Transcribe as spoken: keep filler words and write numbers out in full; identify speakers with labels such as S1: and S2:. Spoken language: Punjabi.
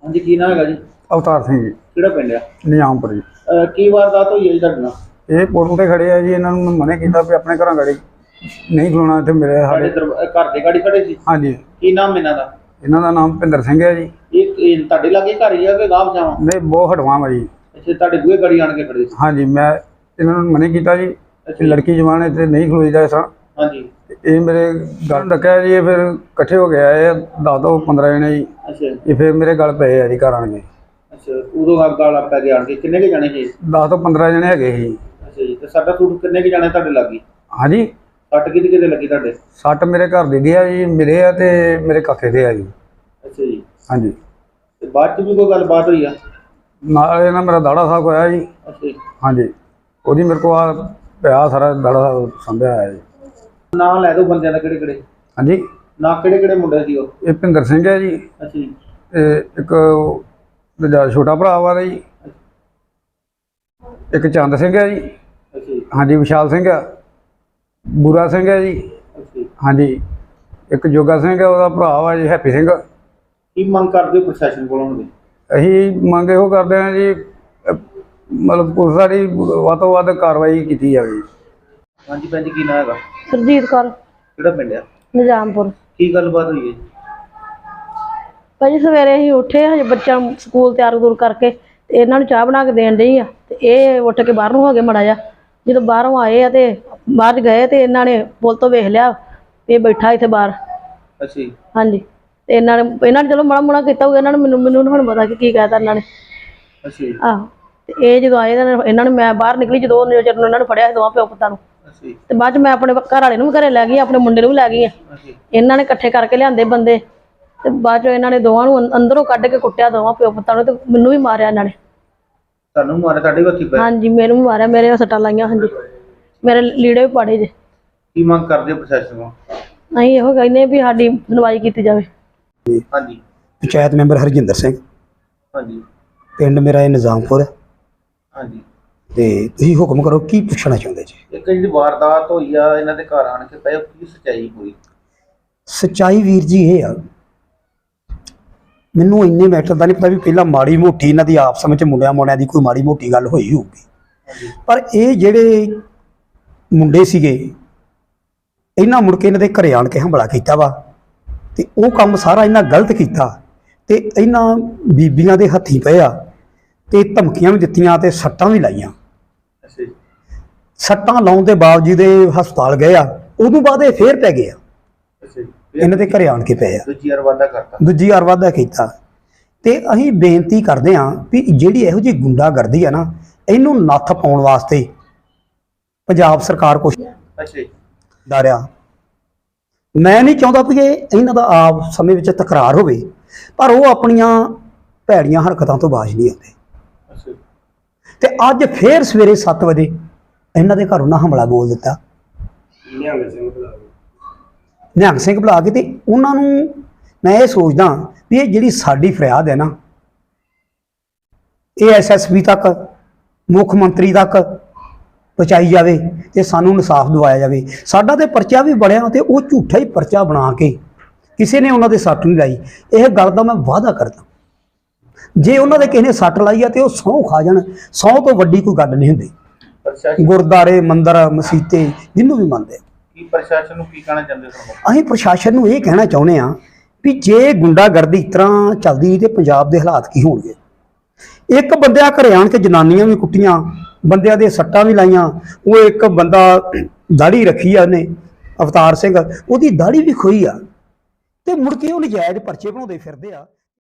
S1: हाँ जी की नाम है जी?
S2: अवतार सिंह जी
S1: ਕਿਹੜਾ ਪਿੰਡ ਆ?
S2: निजामपुर जी।
S1: ਅਹ ਕੀ ਵਾਰਦਾਤ ਹੋਈ ਹੈ ਜੀ ਤੁਹਾਡੇ ਨਾਲ?
S2: ये पुल ते खड़े है जी, इन्होंने मैं मना किया भी अपने घर गाड़ी नहीं खलोना इतने मेरे
S1: ਤੁਹਾਡੇ
S2: साढ़े।
S1: ਦਰਬ- ਅਹ ਘਰ ਦੇ ਗਾੜੀ ਖੜੇ ਸੀ?
S2: हाँ जी,
S1: ਕੀ ਨਾਮ ਇਹਨਾਂ ਦਾ?
S2: इन्हों का नाम भुपिंदर सिंह है जी।
S1: ਇਹ ਇਹ ਤੁਹਾਡੇ ਲਾਗੇ ਘਰ ਹੀ ਆ ਕਿ ਗਾਂਵ ਜਾਵਾਂ?
S2: नहीं बहुत हटवा वा जी।
S1: ਅੱਛਾ ਤੁਹਾਡੇ ਬੂਹੇ ਗਾੜੀ ਆਣ ਕੇ ਖੜੇ ਸੀ?
S2: हाँ जी, मैं इन्होंने मना किया जी कि लड़की जवान इतने नहीं खलोईदा इस तरह।
S1: हाँ जी।
S2: ये मेरे गल रखा जी, फिर कट्ठे हो गया ये दस तो पंद्रह जने जी।
S1: अच्छा
S2: ये फिर मेरे गल पे है जी घर आन के।
S1: अच्छा उदों आप गाल आप पै आण के किन्ने के जाने ਸੀ?
S2: दस तो पंद्रह जने है जी।
S1: अच्छा जी, ਤੇ ਸਾਡਾ ਸੂਟ ਕਿੰਨੇ ਕੇ ਜਾਣੇ ਤੁਹਾਡੇ ਲੱਗੀ?
S2: हाँ जी,
S1: ਸੱਟ ਕਿਹਦੇ ਕਿਹਦੇ ਲੱਗੀ ਤੁਹਾਡੇ?
S2: सट मेरे घर दी है जी, मेरे है ते मेरे काके दे है जी।
S1: अच्छा जी,
S2: हाँ जी,
S1: ਤੇ ਬਾਅਦ ਚ ਵੀ ਕੋਈ ਗੱਲਬਾਤ ਹੋਈ ਆ?
S2: नाल ना मेरा दाड़ा साहब होया जी।
S1: अच्छा जी,
S2: हाँ जी, वो मेरे को आ पिया सारा दाड़ा संभ्या है जी।
S1: ਨਾਂ ਲੈ ਦਿਓ ਬੰਦਿਆਂ ਦਾ ਕਿਹੜੇ ਕਿਹੜੇ?
S2: हाँ जी,
S1: ਨਾਂ ਕਿਹੜੇ ਕਿਹੜੇ ਮੁੰਡੇ ਸੀ ਉਹ?
S2: ये भुपिंदर सिंह है जी,
S1: अच्छा जी,
S2: ते एक दूजा छोटा भरा वा जी, एक चंद सिंह है जी।
S1: अच्छा जी,
S2: हाँ जी, विशाल सिंह है, बूरा सिंह है जी।
S1: अच्छा जी।
S2: हाँ जी, एक जोगा सिंह है, वह भरा वा जी हैप्पी सिंह।
S1: ਕੀ ਮੰਗ ਕਰਦੇ ਹੋ ਪ੍ਰਸ਼ਾਸਨ ਕੋਲੋਂ ਹੁਣ?
S2: अं मंग यो करते हैं जी, मतलब पुलिस वाली ਵੱਧ ਤੋਂ ਵੱਧ कार्रवाई की जाए।
S1: हाँ जी भैन जी की नाम हैगा?
S3: सुरजीत कौर
S1: ਕਿਹੜਾ ਪਿੰਡ ਆ?
S3: निजामपुर।
S1: ਕੀ ਗੱਲਬਾਤ ਹੋਈ ਹੈ?
S3: भाजी सवेरे ही उठे हजे बच्चा स्कूल तैयार तुर करके ते इन्हां नूं चाह बना के देन डई आ ते इह उठ के बाहरों हो गए मड़ा जा। जो बाहरों आए आ ते बाहर गए ते इन्हां ने पुल तो वेख लिया ये बैठा इत्थे बाहर।
S1: अच्छा जी,
S3: हाँ जी, ते इन्हां ने इन्हां ने चलो माड़ा मुड़ा कीता होगा, इन्हां ने मैनूं मैनूं हुण पता कि की कहता इन्हां ने।
S1: अच्छा जी,
S3: आहो, ते इह जदों आए इन्हां ने मैं बाहर निकली जदों नज़र नूं इन्हां ने फड़िया दोवां प्यो पुत्तां नूं।
S1: अच्छा जी,
S3: ते बाद च मैं अपने घर वाले नूं भी घरे लै गई, अपने मुंडे नूं भी लै गई।
S1: अच्छा जी।
S3: इन्हां ने इकट्ठे करके लिआंदे बंदे ते बाद चों इन्हां ने दोवां नूं अंदरों कढ के कुੱਟਿਆ दोवां प्यो पुत्तां नूं ते मैनूं भी मारिया इन्हां ने।
S1: ਤੁਹਾਨੂੰ ਮਾਰੇ ਤੁਹਾਡੇ ਵੀ ਹੱਥੀ ਪਏ?
S3: हाँ जी, मैनूं भी मारिया, मेरे सट्टां लाइयां। हाँ जी, मेरे लीड़े भी पाड़े जे।
S1: ਕੀ ਮੰਗ ਕਰਦੇ ਹੋ ਪ੍ਰਸ਼ਾਸਨ ਕੋਲੋਂ?
S3: ਅਸੀਂ ਇਹੋ ਕਹਿੰਦੇ ਵੀ ਸਾਡੀ ਸੁਣਵਾਈ ਕੀਤੀ ਜਾਵੇ।
S1: हाँ जी,
S4: पंचायत मैंबर हरजिंदर सिंह,
S1: हाँ जी,
S4: पिंड मेरा है निजामपुर।
S1: हाँ जी।
S4: ਤੇ ਤੁਸੀਂ ਹੁਕਮ ਕਰੋ ਕੀ ਪੁੱਛਣਾ ਚਾਹੁੰਦੇ ਜੀ?
S1: ਇੱਕ ਜਿਹੜੀ ਵਾਰਦਾਤ ਹੋਈ ਆ ਇਹਨਾਂ ਦੇ ਘਰ ਆਣ ਕੇ ਪਏ, ਕੀ ਸੱਚਾਈ ਹੋਈ?
S4: ਸੱਚਾਈ ਵੀਰ ਜੀ ਇਹ ਆ, ਮੈਨੂੰ ਇੰਨੇ ਮੈਟਰ ਦਾ ਨਹੀਂ ਪਤਾ ਵੀ ਪਹਿਲਾਂ ਮਾੜੀ ਮੋਟੀ ਇਹਨਾਂ ਦੀ ਆਪਸ ਵਿੱਚ ਮੁੰਡਿਆਂ ਮੁੰਡਿਆਂ ਦੀ ਕੋਈ ਮਾੜੀ ਮੋਟੀ ਗੱਲ ਹੋਈ ਹੋਊਗੀ, ਪਰ ਇਹ ਜਿਹੜੇ ਮੁੰਡੇ ਸੀਗੇ ਇਹਨਾਂ ਮੁੜ ਕੇ ਇਹਨਾਂ ਦੇ ਘਰੇ ਆਣ ਕੇ ਹਮਲਾ ਕੀਤਾ ਵਾ ਤੇ ਉਹ ਕੰਮ ਸਾਰਾ ਇਹਨਾਂ ਗਲਤ ਕੀਤਾ ਤੇ ਇਹਨਾਂ ਬੀਬੀਆਂ ਦੇ ਹੱਥੀਂ ਪਏ ਆ ਤੇ ਧਮਕੀਆਂ ਵੀ ਦਿੱਤੀਆਂ ਤੇ ਸੱਟਾਂ ਵੀ ਲਾਈਆਂ।
S1: ਅੱਛਾ ਜੀ,
S4: ਸੱਟਾਂ ਲਾਉਣ ਦੇ ਬਾਵਜੂਦ ਇਹ ਹਸਪਤਾਲ ਗਏ ਆ, ਉਦੋਂ ਬਾਅਦ ਇਹ ਫੇਰ ਪੈ ਗਏ ਆ,
S1: ਅੱਛਾ ਜੀ।
S4: ਇਹਨਾਂ ਦੇ ਘਰੇ ਆਣ ਕੇ ਪਏ ਆ,
S1: ਦੂਜੀ ਵਾਰ ਵਾਅਦਾ ਕਰਤਾ?
S4: ਦੂਜੀ ਵਾਰ ਵਾਧਾ ਕੀਤਾ। ਤੇ ਅਸੀਂ ਬੇਨਤੀ ਕਰਦੇ ਹਾਂ ਵੀ ਜਿਹੜੀ ਇਹੋ ਜਿਹੀ ਗੁੰਡਾਗਰਦੀ ਆ ਨਾ, ਇਹਨੂੰ ਨੱਥ ਪਾਉਣ ਵਾਸਤੇ ਪੰਜਾਬ ਸਰਕਾਰ ਕੁਛ
S1: ਅੱਛਾ ਜੀ,
S4: ਡਰਿਆ। ਮੈਂ ਨਹੀਂ ਚਾਹੁੰਦਾ ਵੀ ਇਹ ਇਹਨਾਂ ਦਾ ਆਪ ਸਮੇਂ ਵਿੱਚ ਤਕਰਾਰ ਹੋਵੇ, ਪਰ ਉਹ ਆਪਣੀਆਂ ਭੈੜੀਆਂ ਹਰਕਤਾਂ ਤੋਂ ਬਾਜ਼ ਨਹੀਂ ਆਉਂਦੇ।
S1: ਅੱਛਾ ਜੀ,
S4: ਤੇ ਅੱਜ ਫੇਰ ਸਵੇਰੇ ਸੱਤ ਵਜੇ ਇਹਨਾਂ ਦੇ ਘਰੋਂ ਨਾ ਹਮਲਾ ਬੋਲ ਦਿੱਤਾ,
S1: ਨਿਹੰਗ ਸਿੰਘ ਬੁਲਾ ਕੇ।
S4: ਨਿਹੰਗ ਸਿੰਘ ਬੁਲਾ ਕੇ। ਤੇ ਉਹਨਾਂ ਨੂੰ ਮੈਂ ਇਹ ਸੋਚਦਾ ਵੀ ਇਹ ਜਿਹੜੀ ਸਾਡੀ ਫਰਿਆਦ ਹੈ ਨਾ, ਇਹ ਐਸ ਐਸ ਪੀ ਤੱਕ, ਮੁੱਖ ਮੰਤਰੀ ਤੱਕ ਪਹੁੰਚਾਈ ਜਾਵੇ ਤੇ ਸਾਨੂੰ ਇਨਸਾਫ ਦਿਵਾਇਆ ਜਾਵੇ। ਸਾਡਾ ਤੇ ਪਰਚਾ ਵੀ ਬਣਿਆ ਤੇ ਉਹ ਝੂਠਾ ਹੀ ਪਰਚਾ ਬਣਾ ਕੇ ਕਿਸੇ ਨੇ ਉਹਨਾਂ ਦੇ ਸੱਟ ਨਹੀਂ ਲਾਈ। ਇਹ ਗੱਲ ਦਾ ਮੈਂ ਵਾਅਦਾ ਕਰਦਾ, ਜੇ ਉਹਨਾਂ ਦੇ ਕਿਸੇ ਨੇ ਸੱਟ ਲਾਈ ਆ ਤੇ ਉਹ ਸਹੁੰ ਖਾ ਜਾਣ, ਸਹੁੰ ਤੋਂ ਵੱਡੀ ਕੋਈ ਗੱਲ ਨਹੀਂ ਹੁੰਦੀ।
S1: ਪ੍ਰਸ਼ਾਸਨ
S4: ਗੁਰਦਾਰੇ, ਮੰਦਰ, ਮਸੀਤੇ ਜਿਹਨੂੰ ਵੀ ਮੰਨਦੇ।
S1: ਕੀ ਪ੍ਰਸ਼ਾਸਨ ਨੂੰ ਕੀ ਕਹਿਣਾ ਚਾਹੁੰਦੇ ਹੋ?
S4: ਅਸੀਂ ਪ੍ਰਸ਼ਾਸਨ ਨੂੰ ਇਹ ਕਹਿਣਾ ਚਾਹੁੰਦੇ ਹਾਂ ਵੀ ਜੇ ਗੁੰਡਾਗਰਦੀ ਇਸ ਤਰ੍ਹਾਂ ਚੱਲਦੀ ਤੇ ਪੰਜਾਬ ਦੇ ਹਾਲਾਤ ਕੀ ਹੋਣਗੇ। ਇੱਕ ਬੰਦਿਆਂ ਘਰੇ ਆਣ ਕੇ ਜਨਾਨੀਆਂ ਵੀ ਕੁੱਟੀਆਂ, ਬੰਦਿਆਂ ਦੇ ਸੱਟਾਂ ਵੀ ਲਾਈਆਂ। ਉਹ ਇੱਕ ਬੰਦਾ ਦਾੜੀ ਰੱਖੀ ਆ ਉਹਨੇ, ਅਵਤਾਰ ਸਿੰਘ, ਉਹਦੀ ਦਾੜੀ ਵੀ ਖੋਈ ਆ ਤੇ ਮੁੜ ਕੇ ਉਹ ਨਜਾਇਜ਼ ਪਰਚੇ ਬਣਾਉਂਦੇ ਫਿਰਦੇ ਆ।